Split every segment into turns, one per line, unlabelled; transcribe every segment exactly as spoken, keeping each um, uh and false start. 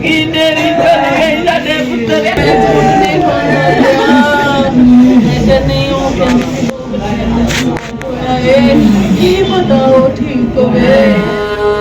की बताओ ठीक हो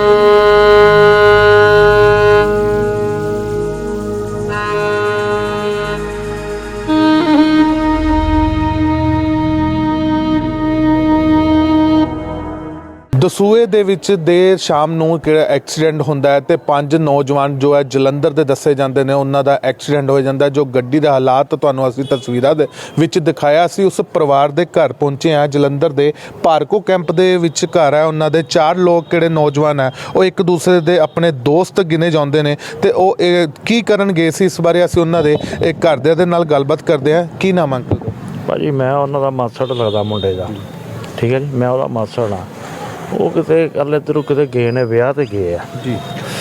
ਦਸੂਹੇ ਦੇ ਵਿੱਚ ਦੇਰ ਸ਼ਾਮ ਨੂੰ ਕਿਹੜਾ ਐਕਸੀਡੈਂਟ ਹੁੰਦਾ ਹੈ ਤੇ ਪੰਜ ਨੌਜਵਾਨ ਜੋ ਹੈ ਜਲੰਧਰ ਦੇ ਦੱਸੇ ਜਾਂਦੇ ਨੇ ਉਹਨਾਂ ਦਾ ਐਕਸੀਡੈਂਟ ਹੋ ਜਾਂਦਾ ਜੋ ਗੱਡੀ ਦਾ ਹਾਲਾਤ ਤੁਹਾਨੂੰ ਅਸੀਂ ਤਸਵੀਰਾਂ ਦੇ ਵਿੱਚ ਦਿਖਾਇਆ ਸੀ। ਉਸ ਪਰਿਵਾਰ ਦੇ ਘਰ ਪਹੁੰਚੇ ਆ ਜਲੰਧਰ ਦੇ ਭਾਰਕੋ ਕੈਂਪ ਦੇ ਵਿੱਚ ਘਰ ਹੈ ਉਹਨਾਂ ਦੇ। ਚਾਰ ਲੋਕ ਕਿਹੜੇ ਨੌਜਵਾਨ ਹੈ ਉਹ ਇੱਕ ਦੂਸਰੇ ਦੇ ਆਪਣੇ ਦੋਸਤ ਗਿਣੇ ਜਾਂਦੇ ਨੇ ਤੇ ਉਹ ਕੀ ਕਰਨ ਗਏ ਸੀ ਇਸ ਬਾਰੇ ਅਸੀਂ ਉਹਨਾਂ ਦੇ ਘਰਦਿਆਂ ਦੇ ਨਾਲ ਗੱਲਬਾਤ ਕਰਦੇ ਹਾਂ। ਕੀ ਨਾਮ ਅੰਕਲ?
ਭਾਜੀ ਮੈਂ ਉਹਨਾਂ ਦਾ ਮਾਸੜ ਲੱਗਦਾ ਮੁੰਡੇ ਦਾ, ਠੀਕ ਹੈ ਜੀ, ਮੈਂ ਉਹਦਾ ਮਾਸੜ ਹਾਂ। ਉਹ ਕਿਤੇ ਕੱਲ ਇੱਧਰੋਂ ਕਿਤੇ ਗਏ ਨੇ, ਵਿਆਹ 'ਤੇ ਗਏ ਆ ਜੀ,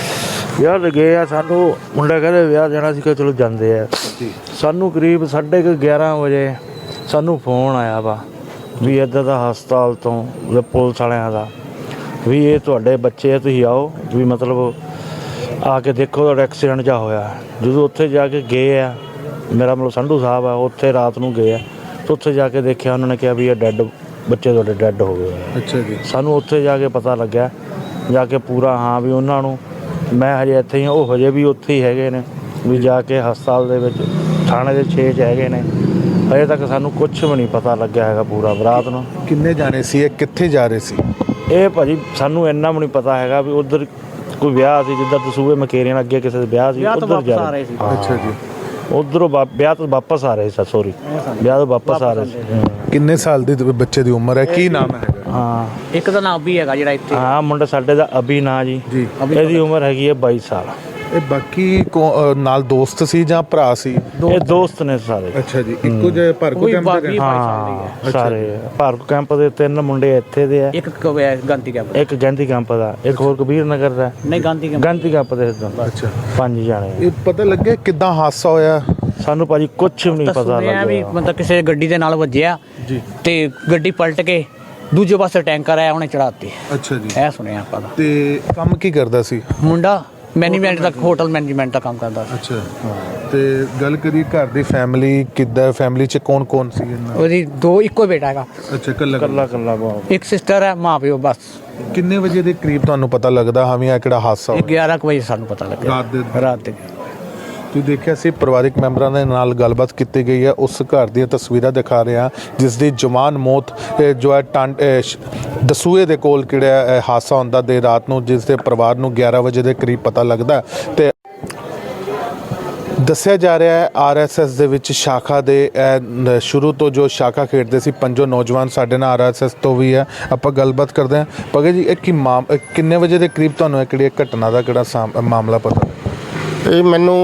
ਵਿਆਹ 'ਤੇ ਗਏ ਆ। ਸਾਨੂੰ ਮੁੰਡਾ ਕਹਿੰਦੇ ਵਿਆਹ ਜਾਣਾ ਸੀ ਕਿ ਚਲੋ ਜਾਂਦੇ ਆ ਜੀ। ਸਾਨੂੰ ਕਰੀਬ ਸਾਢੇ ਕੁ ਗਿਆਰਾਂ ਵਜੇ ਸਾਨੂੰ ਫੋਨ ਆਇਆ ਵਾ ਵੀ ਇੱਧਰ ਦਾ ਹਸਪਤਾਲ ਤੋਂ ਪੁਲਿਸ ਵਾਲਿਆਂ ਦਾ ਵੀ ਇਹ ਤੁਹਾਡੇ ਬੱਚੇ ਆ, ਤੁਸੀਂ ਆਓ ਵੀ ਮਤਲਬ ਆ ਕੇ ਦੇਖੋ ਤੁਹਾਡਾ ਐਕਸੀਡੈਂਟ ਜਿਹਾ ਹੋਇਆ। ਜਦੋਂ ਉੱਥੇ ਜਾ ਕੇ ਗਏ ਆ, ਮੇਰਾ ਮਤਲਬ ਸੰਧੂ ਸਾਹਿਬ ਆ, ਉੱਥੇ ਰਾਤ ਨੂੰ ਗਏ ਆ ਅਤੇ ਉੱਥੇ ਜਾ ਕੇ ਦੇਖਿਆ ਉਹਨਾਂ ਨੇ ਕਿਹਾ ਵੀ ਇਹ ਡੈਡ ਬੱਚੇ ਤੁਹਾਡੇ ਡੈਡ ਹੋ ਗਏ।
ਅੱਛਾ ਜੀ।
ਸਾਨੂੰ ਉੱਥੇ ਜਾ ਕੇ ਪਤਾ ਲੱਗਿਆ ਜਾ ਕੇ ਪੂਰਾ, ਹਾਂ ਵੀ ਉਹਨਾਂ ਨੂੰ, ਮੈਂ ਹਜੇ ਇੱਥੇ ਹੀ, ਉਹ ਹਜੇ ਵੀ ਉੱਥੇ ਹੀ ਹੈਗੇ ਨੇ ਵੀ ਜਾ ਕੇ ਹਸਪਤਾਲ ਦੇ ਵਿੱਚ ਥਾਣੇ ਦੇ ਛੇ 'ਚ ਹੈਗੇ ਨੇ। ਹਜੇ ਤੱਕ ਸਾਨੂੰ ਕੁਛ ਵੀ ਨਹੀਂ ਪਤਾ ਲੱਗਿਆ ਹੈਗਾ ਪੂਰਾ। ਰਾਤ ਨੂੰ
ਕਿੰਨੇ ਜਾਣੇ ਸੀ, ਇਹ ਕਿੱਥੇ ਜਾ ਰਹੇ ਸੀ?
ਇਹ ਭਾਜੀ ਸਾਨੂੰ ਇੰਨਾ ਵੀ ਨਹੀਂ ਪਤਾ ਹੈਗਾ ਵੀ ਉੱਧਰ ਕੋਈ ਵਿਆਹ ਸੀ, ਜਿੱਦਾਂ ਦਸੂਹੇ ਮਕੇਰੀਆਂ ਅੱਗੇ ਕਿਸੇ ਦੇ ਵਿਆਹ ਸੀ, ਉੱਧਰ ਜਾ ਰਹੇ ਸੀ।
ਅੱਛਾ ਜੀ।
ਉੱਧਰੋਂ ਵਿਆਹ ਤੋਂ ਵਾਪਸ ਆ ਰਹੇ ਸੀ, ਸੋਰੀ ਵਿਆਹ ਤੋਂ ਵਾਪਸ ਆ ਰਹੇ ਸੀ।
ਕਿੰਨੇ ਸਾਲ ਦੀ ਬੱਚੇ ਦੀ ਉਮਰ ਹੈ, ਕੀ ਨਾਮ ਹੈਗਾ?
ਹਾਂ
ਇੱਕ ਦਾ ਨਾਮ ਅਭੀ ਹੈਗਾ ਜਿਹੜਾ ਇੱਥੇ।
ਹਾਂ ਮੁੰਡਾ ਸਾਡੇ ਦਾ ਅਭੀ ਨਾਂ ਜੀ, ਇਹਦੀ ਉਮਰ ਹੈਗੀ ਹੈ ਬਾਈ ਸਾਲ।
ਇਹ ਬਾਕੀ ਨਾਲ ਦੋਸਤ ਸੀ ਜਾਂ ਭਰਾ ਸੀ?
ਇਹ ਦੋਸਤ ਨੇ ਸਾਰੇ।
ਅੱਛਾ ਜੀ। ਇੱਕੋ ਜਿਹੇ ਭਾਰਕੋ ਕੈਂਪ ਦੇ?
ਹਾਂ ਸਾਰੇ ਭਾਰਕੋ ਕੈਂਪ ਦੇ ਤਿੰਨ ਮੁੰਡੇ ਇੱਥੇ ਦੇ ਆ,
ਇੱਕ ਗਾਂਧੀ ਕੈਂਪ,
ਇੱਕ ਗਾਂਧੀ ਕੈਂਪ ਦਾ, ਇੱਕ ਹੋਰ ਕਬੀਰ ਨਗਰ ਦਾ।
ਨਹੀਂ ਗਾਂਧੀ ਕੈਂਪ,
ਗਾਂਧੀ ਕੈਂਪ ਦੇ।
ਅੱਛਾ,
ਪੰਜ ਜਾਣੇ।
ਇਹ ਪਤਾ ਲੱਗਿਆ ਕਿੱਦਾਂ ਹਾਦਸਾ ਹੋਇਆ?
ਸਾਨੂੰ ਭਾਜੀ ਕੁਛ ਵੀ ਨਹੀਂ ਪਤਾ ਲੱਗਿਆ
ਵੀ ਮਤਲਬ ਕਿਸੇ ਗੱਡੀ ਦੇ ਨਾਲ ਵੱਜਿਆ ਜੀ ਤੇ ਗੱਡੀ ਪਲਟ ਕੇ ਦੂਜੇ ਪਾਸੇ ਟੈਂਕਰ ਆਇਆ ਉਹਨੇ ਚੜਾਤੀ।
ਅੱਛਾ ਜੀ।
ਇਹ ਸੁਣਿਆ ਆਪਾਂ ਦਾ।
ਤੇ ਕੰਮ ਕੀ ਕਰਦਾ ਸੀ
ਮੁੰਡਾ? ਮੈਨੇਜਮੈਂਟ ਦਾ, ਹੋਟਲ ਮੈਨੇਜਮੈਂਟ ਦਾ ਕੰਮ ਕਰਦਾ ਸੀ।
ਅੱਛਾ। ਤੇ ਗੱਲ ਕਰੀ ਘਰ ਦੀ ਫੈਮਿਲੀ ਕਿੱਦਾਂ, ਫੈਮਿਲੀ 'ਚ ਕੌਣ ਕੌਣ ਸੀ?
ਉਹਦੀ ਦੋ, ਇੱਕੋ ਬੇਟਾ ਹੈਗਾ।
ਅੱਛਾ, ਕੱਲਾ
ਕੱਲਾ ਕੱਲਾ।
ਇੱਕ ਸਿਸਟਰ ਹੈ, ਮਾਂ ਪਿਓ ਬਸ।
ਕਿੰਨੇ ਵਜੇ ਦੇ ਕਰੀਬ ਤੁਹਾਨੂੰ ਪਤਾ ਲੱਗਦਾ ਹਾਂ ਵੀ ਆ ਕਿਹੜਾ ਹਾਦਸਾ ਹੋਇਆ?
ਗਿਆਰਾਂ ਕੁ ਵਜੇ ਸਾਨੂੰ ਪਤਾ ਲੱਗਿਆ
ਰਾਤ ਦੇ।
ਰਾਤ ਦੇ
ਤੁਸੀਂ ਦੇਖਿਆ ਸੀ ਪਰਿਵਾਰਿਕ ਮੈਂਬਰਾਂ ਦੇ ਨਾਲ ਗੱਲਬਾਤ ਕੀਤੀ ਗਈ ਹੈ। ਉਸ ਘਰ ਦੀਆਂ ਤਸਵੀਰਾਂ ਦਿਖਾ ਰਹੇ ਹਾਂ ਜਿਸ ਦੀ ਜਵਾਨ ਮੌਤ ਜੋ ਹੈ ਟਾਂਡ ਦਸੂਹੇ ਦੇ ਕੋਲ ਕਿਹੜਾ ਹਾਦਸਾ ਹੁੰਦਾ ਦੇ ਰਾਤ ਨੂੰ, ਜਿਸ ਦੇ ਪਰਿਵਾਰ ਨੂੰ ਗਿਆਰਾਂ ਵਜੇ ਦੇ ਕਰੀਬ ਪਤਾ ਲੱਗਦਾ। ਤੇ ਦੱਸਿਆ ਜਾ ਰਿਹਾ ਹੈ ਆਰ ਐਸ ਐਸ ਦੇ ਵਿੱਚ ਸ਼ਾਖਾ ਦੇ ਸ਼ੁਰੂ ਤੋਂ ਜੋ ਸ਼ਾਖਾ ਖੇਡਦੇ ਸੀ ਪੰਜੋ ਨੌਜਵਾਨ, ਸਾਡੇ ਨਾਲ ਆਰ ਐਸ ਐਸ ਤੋਂ ਵੀ ਹੈ, ਆਪਾਂ ਗੱਲਬਾਤ ਕਰਦੇ ਹਾਂ। ਭਗਤ ਜੀ, ਇਹ ਕੀ ਮਾਮ ਕਿੰਨੇ ਵਜੇ ਦੇ ਕਰੀਬ ਤੁਹਾਨੂੰ ਇਹ ਕਿਹੜੀ ਘਟਨਾ ਦਾ ਕਿਹੜਾ ਮਾਮਲਾ ਪਤਾ?
ਇਹ ਮੈਨੂੰ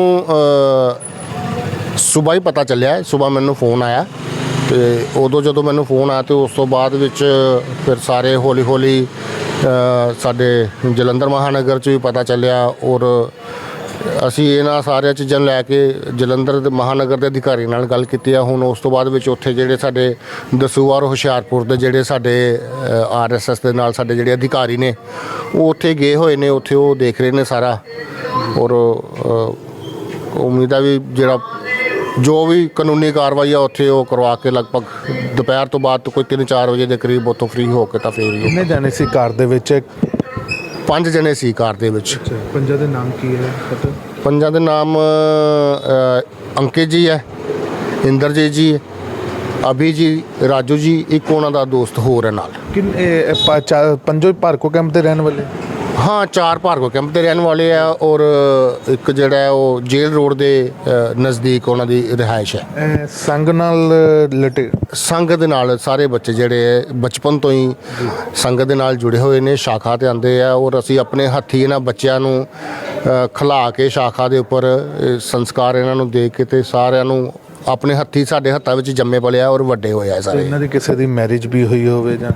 ਸੁਬਾਹ ਹੀ ਪਤਾ ਚੱਲਿਆ। ਸੁਬਾਹ ਮੈਨੂੰ ਫੋਨ ਆਇਆ ਤੇ ਉਦੋਂ ਜਦੋਂ ਮੈਨੂੰ ਫੋਨ ਆਇਆ ਤੇ ਉਸ ਤੋਂ ਬਾਅਦ ਵਿੱਚ ਫਿਰ ਸਾਰੇ ਹੌਲੀ ਹੌਲੀ ਸਾਡੇ ਜਲੰਧਰ ਮਹਾਨਗਰ 'ਚ ਵੀ ਪਤਾ ਚੱਲਿਆ ਔਰ ਅਸੀਂ ਇਹਨਾਂ ਸਾਰੀਆਂ ਚੀਜ਼ਾਂ ਨੂੰ ਲੈ ਕੇ ਜਲੰਧਰ ਦੇ ਮਹਾਨਗਰ ਦੇ ਅਧਿਕਾਰੀ ਨਾਲ ਗੱਲ ਕੀਤੀ ਆ। ਹੁਣ ਉਸ ਤੋਂ ਬਾਅਦ ਵਿੱਚ ਉੱਥੇ ਜਿਹੜੇ ਸਾਡੇ ਦਸੂਹਾ ਔਰ ਹੁਸ਼ਿਆਰਪੁਰ ਦੇ ਜਿਹੜੇ ਸਾਡੇ ਆਰ ਐਸ ਐਸ ਦੇ ਨਾਲ ਸਾਡੇ ਜਿਹੜੇ ਅਧਿਕਾਰੀ ਨੇ ਉਹ ਉੱਥੇ ਗਏ ਹੋਏ ਨੇ, ਉੱਥੇ ਉਹ ਦੇਖ ਰਹੇ ਨੇ ਸਾਰਾ ਔਰ ਉਮੀਦ ਆ ਵੀ ਜਿਹੜਾ ਜੋ ਵੀ ਕਾਨੂੰਨੀ ਕਾਰਵਾਈ ਆ ਉੱਥੇ ਉਹ ਕਰਵਾ ਕੇ ਲਗਭਗ ਦੁਪਹਿਰ ਤੋਂ ਬਾਅਦ ਕੋਈ ਤਿੰਨ ਚਾਰ ਵਜੇ ਦੇ ਕਰੀਬ ਉੱਥੋਂ ਫ੍ਰੀ ਹੋ ਕੇ ਤਾਂ ਫਿਰ
ਕਿੰਨੇ ਜਾਣੇ ਸੀ ਕਾਰ ਦੇ ਵਿੱਚ?
ਪੰਜ ਜਣੇ ਸੀ ਕਾਰ ਦੇ ਵਿੱਚ।
ਪੰਜਾਂ ਦੇ ਨਾਮ ਕੀ ਹੈ ਪਤਾ?
ਪੰਜਾਂ ਦੇ ਨਾਮ ਅੰਕਿਤ ਜੀ ਹੈ, ਇੰਦਰਜੀਤ ਜੀ, ਅਭੀ ਜੀ, ਰਾਜੂ ਜੀ, ਇੱਕ ਉਹਨਾਂ ਦਾ ਦੋਸਤ ਹੋਰ ਹੈ ਨਾਲ।
ਕਿੰਨੇ ਪੰਜੋ ਭਾਰਕੋ ਕੈਂਪ ਦੇ ਰਹਿਣ ਵਾਲੇ?
ਹਾਂ, ਚਾਰ ਭਾਰਗੋ ਕੈਂਪ ਦੇ ਰਹਿਣ ਵਾਲੇ ਆ ਔਰ ਇੱਕ ਜਿਹੜਾ ਹੈ ਉਹ ਜੇਲ੍ਹ ਰੋਡ ਦੇ ਨਜ਼ਦੀਕ ਉਹਨਾਂ ਦੀ ਰਿਹਾਇਸ਼ ਹੈ।
ਸੰਗ ਨਾਲ ਲਟੇ
ਸੰਗ ਦੇ ਨਾਲ ਸਾਰੇ ਬੱਚੇ ਜਿਹੜੇ ਬਚਪਨ ਤੋਂ ਹੀ ਸੰਗ ਦੇ ਨਾਲ ਜੁੜੇ ਹੋਏ ਨੇ, ਸ਼ਾਖਾ 'ਤੇ ਆਉਂਦੇ ਆ ਔਰ ਅਸੀਂ ਆਪਣੇ ਹੱਥੀਂ ਇਹਨਾਂ ਬੱਚਿਆਂ ਨੂੰ ਖਿਲਾ ਕੇ ਸ਼ਾਖਾ ਦੇ ਉੱਪਰ ਸੰਸਕਾਰ ਇਹਨਾਂ ਨੂੰ ਦੇ ਕੇ ਤੇ ਸਾਰਿਆਂ ਨੂੰ ਆਪਣੇ ਹੱਥੀਂ ਸਾਡੇ ਹੱਥਾਂ ਵਿੱਚ ਜੰਮੇ ਪਲੇ ਆ ਔਰ ਵੱਡੇ ਹੋਏ ਆ ਸਾਰੇ।
ਇਹਨਾਂ ਦੀ ਕਿਸੇ ਦੀ ਮੈਰਿਜ ਵੀ ਹੋਈ ਹੋਵੇ ਜਾਂ?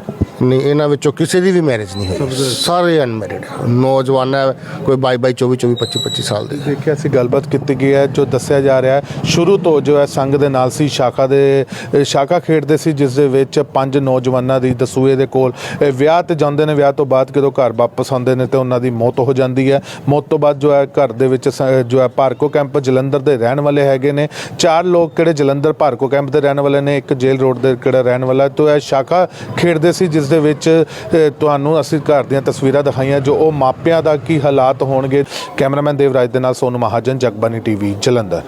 ਨਹੀਂ ਇਹਨਾਂ ਵਿੱਚੋਂ ਕਿਸੇ ਦੀ ਵੀ ਮੈਰਿਜ ਨਹੀਂ ਹੋਈ, ਸਾਰੇ ਅਨਮੈਰਿਡ ਨੌਜਵਾਨ ਹੈ, ਕੋਈ ਬਾਈ ਬਾਈ ਚੌਵੀ ਚੌਵੀ ਪੱਚੀ ਪੱਚੀ ਸਾਲ ਦੇ।
ਦੇਖਿਆ ਸੀ ਗੱਲਬਾਤ ਕੀਤੀ ਗਈ ਹੈ, ਜੋ ਦੱਸਿਆ ਜਾ ਰਿਹਾ ਹੈ ਸ਼ੁਰੂ ਤੋਂ ਜੋ ਹੈ ਸੰਘ ਦੇ ਨਾਲ ਸੀ, ਸ਼ਾਖਾ ਦੇ ਅ, ਸ਼ਾਖਾ ਖੇਡਦੇ ਸੀ, ਜਿਸ ਦੇ ਵਿੱਚ ਪੰਜ ਨੌਜਵਾਨਾਂ ਦੀ ਦਸੂਏ ਦੇ ਕੋਲ ਅ, ਵਿਆਹ ਤੇ ਜਾਂਦੇ ਨੇ। ਵਿਆਹ ਤੋਂ ਬਾਅਦ ਜਦੋਂ ਘਰ ਵਾਪਸ ਆਉਂਦੇ ਨੇ ਤੇ ਉਹਨਾਂ ਦੀ ਮੌਤ ਹੋ ਜਾਂਦੀ ਹੈ। ਮੌਤ ਤੋਂ ਬਾਅਦ ਜੋ ਹੈ ਘਰ ਦੇ ਵਿੱਚ ਸ- ਜੋ ਹੈ ਭਾਰਕੋ ਕੈਂਪ ਜਲੰਧਰ ਦੇ ਰਹਿਣ ਵਾਲੇ ਹੈਗੇ ਨੇ, ਚਾਰ ਲੋਕ ਕਿਹੜੇ ਜਲੰਧਰ ਭਾਰਕੋ ਕੈਂਪ ਦੇ ਰਹਿਣ ਵਾਲੇ ਨੇ, ਇੱਕ ਜੇਲ੍ਹ ਰੋਡ ਦੇ ਕਿਹੜਾ ਰਹਿਣ ਵਾਲਾ। ਤੋਂ ਇਹ ਸ਼ਾਖਾ ਖੇਡਦੇ ਸੀ, ਜਿਸ ਦੇ ਵਿੱਚ ਅ, ਤੁਹਾਨੂੰ ਅਸੀਂ ਘਰ ਦੀਆਂ ਤਸਵੀਰਾਂ ਦਿਖਾਈਆਂ, ਜੋ ਉਹ ਮਾਪਿਆਂ ਦਾ ਕੀ ਹਾਲਾਤ ਹੋਣਗੇ। ਕੈਮਰਾਮੈਨ ਦੇਵਰਾਜ ਦੇ ਨਾਲ ਸੋਨੂ ਮਹਾਜਨ, ਜਗਬਾਨੀ ਟੀਵੀ ਜਲੰਧਰ।